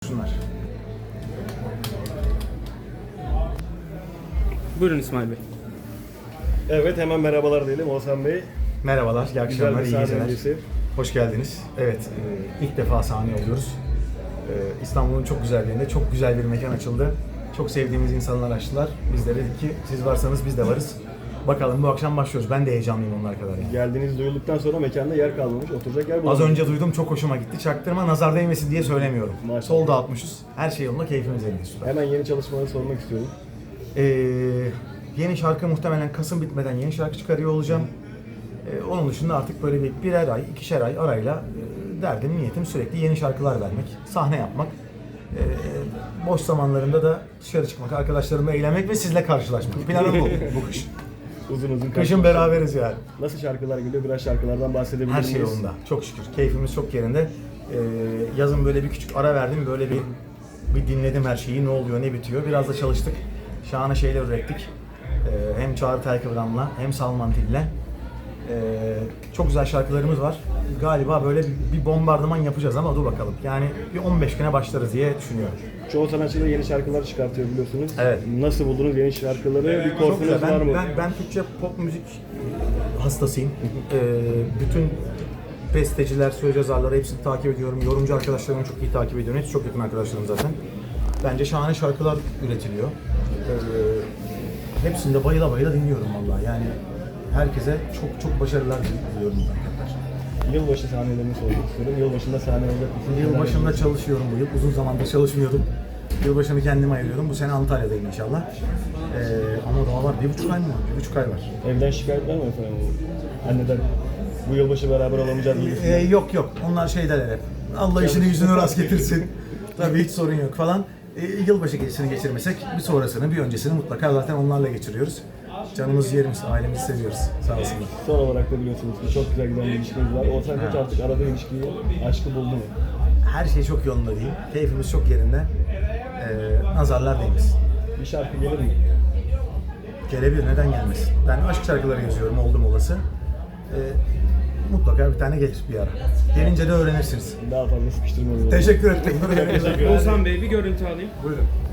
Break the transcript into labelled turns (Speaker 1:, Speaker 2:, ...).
Speaker 1: Buyursunlar.
Speaker 2: Buyurun İsmail Bey.
Speaker 3: Evet, hemen merhabalar diyelim Oğuzhan Bey.
Speaker 1: Merhabalar, iyi akşamlar, iyi geceler.
Speaker 3: öncesi.
Speaker 1: Hoş geldiniz. Evet, ilk defa sahne oluyoruz. İstanbul'un çok güzel yerinde, çok güzel bir mekan açıldı. Çok sevdiğimiz insanlar açtılar. Biz de dedik ki siz varsanız biz de varız. Bakalım bu akşam başlıyoruz. Ben de heyecanlıyım onlar kadar yani.
Speaker 3: Geldiğiniz duyulduktan sonra mekanda yer kalmamış, oturacak yer
Speaker 1: Az
Speaker 3: bulamamış.
Speaker 1: önce duydum, çok hoşuma gitti. Çaktırma, nazar değmesin diye söylemiyorum.
Speaker 3: Maşallah.
Speaker 1: Sol dağıtmışız. Her şey yolunda, keyfimiz yerinde, süper.
Speaker 3: Hemen yeni çalışmaları sormak istiyorum.
Speaker 1: Yeni şarkı muhtemelen Kasım bitmeden yeni şarkı çıkarıyor olacağım. Onun dışında artık böyle birer ay, ikişer ay arayla derdim, niyetim sürekli yeni şarkılar vermek, sahne yapmak. Boş zamanlarında da dışarı çıkmak, arkadaşlarımla eğlenmek ve sizle karşılaşmak. Planım bu kış.
Speaker 3: Uzun uzun
Speaker 1: Kışın beraberiz yani.
Speaker 3: Nasıl şarkılar geliyor? Biraz şarkılardan bahsedebilir
Speaker 1: Her
Speaker 3: miyiz?
Speaker 1: şey yolunda. Çok şükür. Keyfimiz çok yerinde. Yazın böyle bir küçük ara verdim. Böyle bir dinledim her şeyi. Ne oluyor, ne bitiyor. Biraz da çalıştık. Şahane şeyler ürettik. Hem Çağrı Telkıvran'la hem Salman Til'le. Çok güzel şarkılarımız var. Galiba böyle bir bombardıman yapacağız ama dur bakalım. Yani bir 15 güne başlarız diye düşünüyorum.
Speaker 3: Çoğu sanatçı da yeni şarkılar çıkartıyor biliyorsunuz.
Speaker 1: Evet.
Speaker 3: Nasıl buldunuz yeni şarkıları? Bir
Speaker 1: Çok güzel.
Speaker 3: korkunuz var mı?
Speaker 1: Ben Türkçe pop müzik hastasıyım. Bütün besteciler, söz yazarları hepsini takip ediyorum. Yorumcu arkadaşlarımı çok iyi takip ediyorum. Hepsi çok yakın arkadaşlarım zaten. Bence şahane şarkılar üretiliyor. Hepsini de bayıla bayıla dinliyorum vallahi. Yani herkese çok başarılar diliyorum arkadaşlar.
Speaker 3: Yılbaşı sahnelerini sormak istiyorum. Yılbaşında sahne olacak mısınız?
Speaker 1: Yılbaşında çalışıyorum bu yıl. Uzun zamandır çalışmıyordum. Yılbaşını kendime ayırıyorum. Bu sene Antalya'dayım inşallah. Ama daha var. 1,5 ay mı var? 1,5 ay var.
Speaker 3: Evden şikayet var mı efendim? Anneden bu yılbaşı beraber olamayacağız gibisinden.
Speaker 1: Yok. Onlar şeyler hep. Allah işini yüzünü rast getirsin. Tabii hiç sorun yok falan. Yılbaşı gecesini geçirmesek bir sonrasını, bir öncesini mutlaka zaten onlarla geçiriyoruz. Canımız yerimiz, ailemizi seviyoruz. Sağ olsunlar.
Speaker 3: Son olarak da biliyorsunuz ki çok güzel giden bir ilişkiniz var. Oğuzhan Koç artık aradığı ilişkiyi, aşkı buldu mu?
Speaker 1: Her şey çok yolunda değil. Keyfimiz çok yerinde. Nazarlar değmesin.
Speaker 3: Bir şarkı gelir mi?
Speaker 1: Gelebilir, neden gelmesin? Ben aşk şarkıları yazıyorum oldum olası. Mutlaka bir tane gelir bir ara. Gelince de öğrenirsiniz.
Speaker 3: Daha fazla sıkıştırmıyorum.
Speaker 1: Teşekkür ederim.
Speaker 3: Teşekkür ederim.
Speaker 2: Oğuzhan Bey bir görüntü alayım.
Speaker 1: Buyurun.